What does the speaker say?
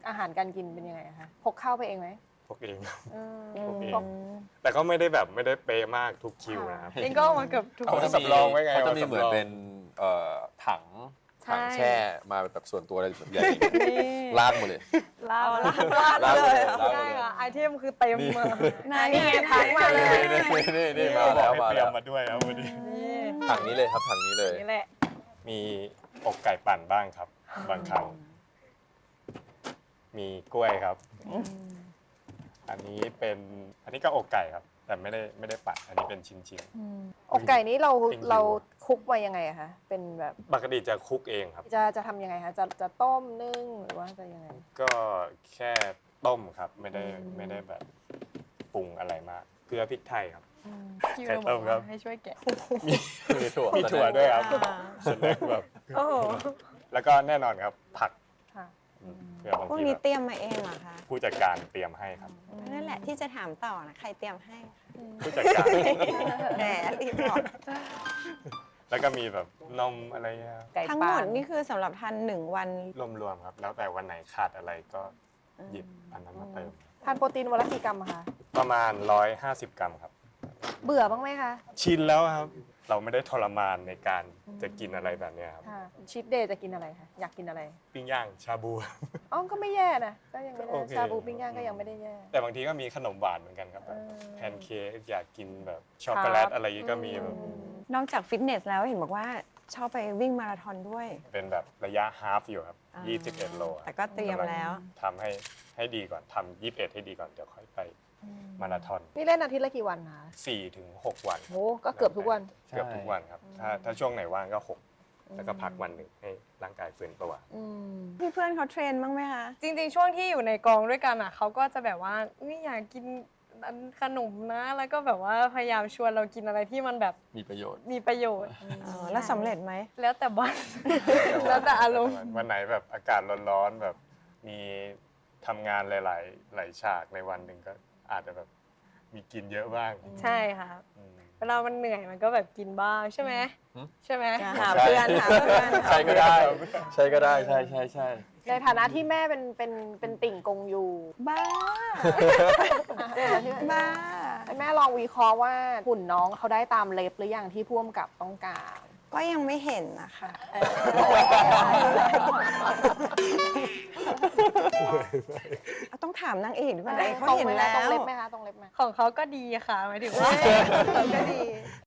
อาหารการกินเป็นยังไงคะพกข้าวไปเองไหมพกเองครับพกเองแต่ก็ไม่ได้แบบไม่ได้เป๊ะมากทุกคิวนะครับเองก็เอามาเกือบทุกเอาสำรองไว้ไงเขาจะมีเหมือนเป็นถังแช่มาแบบส่วนตัวอะไรแบบใหญ่ลากมาเลยลาบลาบเลยใช่ค่ะไอเทมคือเต็มมานี่นี่ทางมาเลยนี่มาแล้วให้มาเตรีแล้ยว มมาด้วยครับวันนี้ถังนี้เลยครับถังนี้เลยนี่แหละมีอกไก่ปั่นบ้างครับ บางครั้งมีกล้วยครับ อันนี้ก็อกไก่ครับ แต่ไม่ได้ปั่นอันนี้เป็นชิ้นอกไก่นี้เราจริงๆเราคุกไว้ยังไงอะคะเป็นแบบๆปกติจะคลุกเองครับจะทำยังไงคะจะต้มนึ่งหรือว่าจะยังไงก็แค่ต้มครับไม่ได้แบบปรุงอะไรมากเกลือพริกไทยครับคิวไก่ต้มครับให้ช่วยแกะมีถั่วมีถั่วด้วยครับส่วนแรกแบบโอ้โหแล้วก็แน่นอนครับผักค่ะเพื่อบางพวกทีนี้แบบเตรียมมาเองเหรอคะผู้จัดการเตรียมให้ครับนั่นแหละที่จะถามต่อนะใครเตรียมให้ผู้จัดการแหมรีบบอกแล้วก็มีแบบนมอะไรเงี้ยไก่ทั้งปหมลาดนี่คือสำหรับทาน1 วันรวมๆครับ แล้วแต่วันไหนขาดอะไรก็หยิบอันนั้นมาเติมทานโปรตีนวันละกี่กรัมอะคะประมาณ150 กรัมครับเบื่อบ้างไหมคะชินแล้วครับ เราไม่ได้ทรมานในการจะกินอะไรแบบเนี้ยครับค่ะชีทเดย์จะกินอะไรคะอยากกินอะไรปิ้งย่างชาบูอ๋อก็ไม่แย่นะก็ยังไม่ได้โอเคชาบูปิ้งย่างก็ยังไม่ได้แย่แต่บางทีก็มีขนมหวานเหมือนกันครับแบบเออแพนเค้กอยากกินแบบช็อกโกแลตอะไรอย่างงี้ก็มีแบบนอกจากฟิตเนสแล้วเห็นบอกว่าชอบไปวิ่งมาราธอนด้วยเป็นแบบระยะฮาฟอยู่ครับอ่า 21 โลแต่ก็เตรียมแล้วทำให้ดีก่อนทำ21 ให้ดีก่อนเดี๋ยวค่อยไปมาราธอนนี่เล่นอาทิตย์ละกี่วันคะ 4 ถึง 6 วันโหก็เกือบทุกวันเกือบทุกวันครับถ้าช่วงไหนว่างก็ 6 แล้วก็พักวันหนึ่งให้ร่างกายฟื้นตัวพี่เพื่อนเขาเทรนบ้างไหมคะจริงๆ ช่วงที่อยู่ในกองด้วยกันอ่ะเขาก็จะแบบว่าอยากกินขนมนะ แล้วก็แบบว่าพยายามชวนเรากินอะไรที่มันแบบมีประโยชน์มีประโยชน์แล้วสำเร็จไหมแล้วแต่วัน แล้วแต่อารมณ์วันไหนแบบอากาศร้อนๆแบบมีทำงานหลายฉากในวันหนึ่งก็อาจจะแบบมีกินเยอะบ้างใช่ค่ะอืมเวลามันเหนื่อยมันก็แบบกินบ้างใช่ไหมอืมใช่ไหมหาเพื่อนหาเพื่อนใช่ก็ได้ใช่ก็ได้ใช่ในฐานะที่แม่เป็นติ่งกงยูบ้า บ้าให้แม่ลองวิเคราะห์ว่าหุ่นน้องเขาได้ตามเล็บหรือยังที่พ่วงกับต้องการก็ยังไม่เห็นนะคะ ต้องถามนางเอกดีกว่าเขาเห็นแล้วตรงเล็บไหมคะตรงเล็บไหมของเขาก็ดีค่ะหมายถึงว่าก็ดี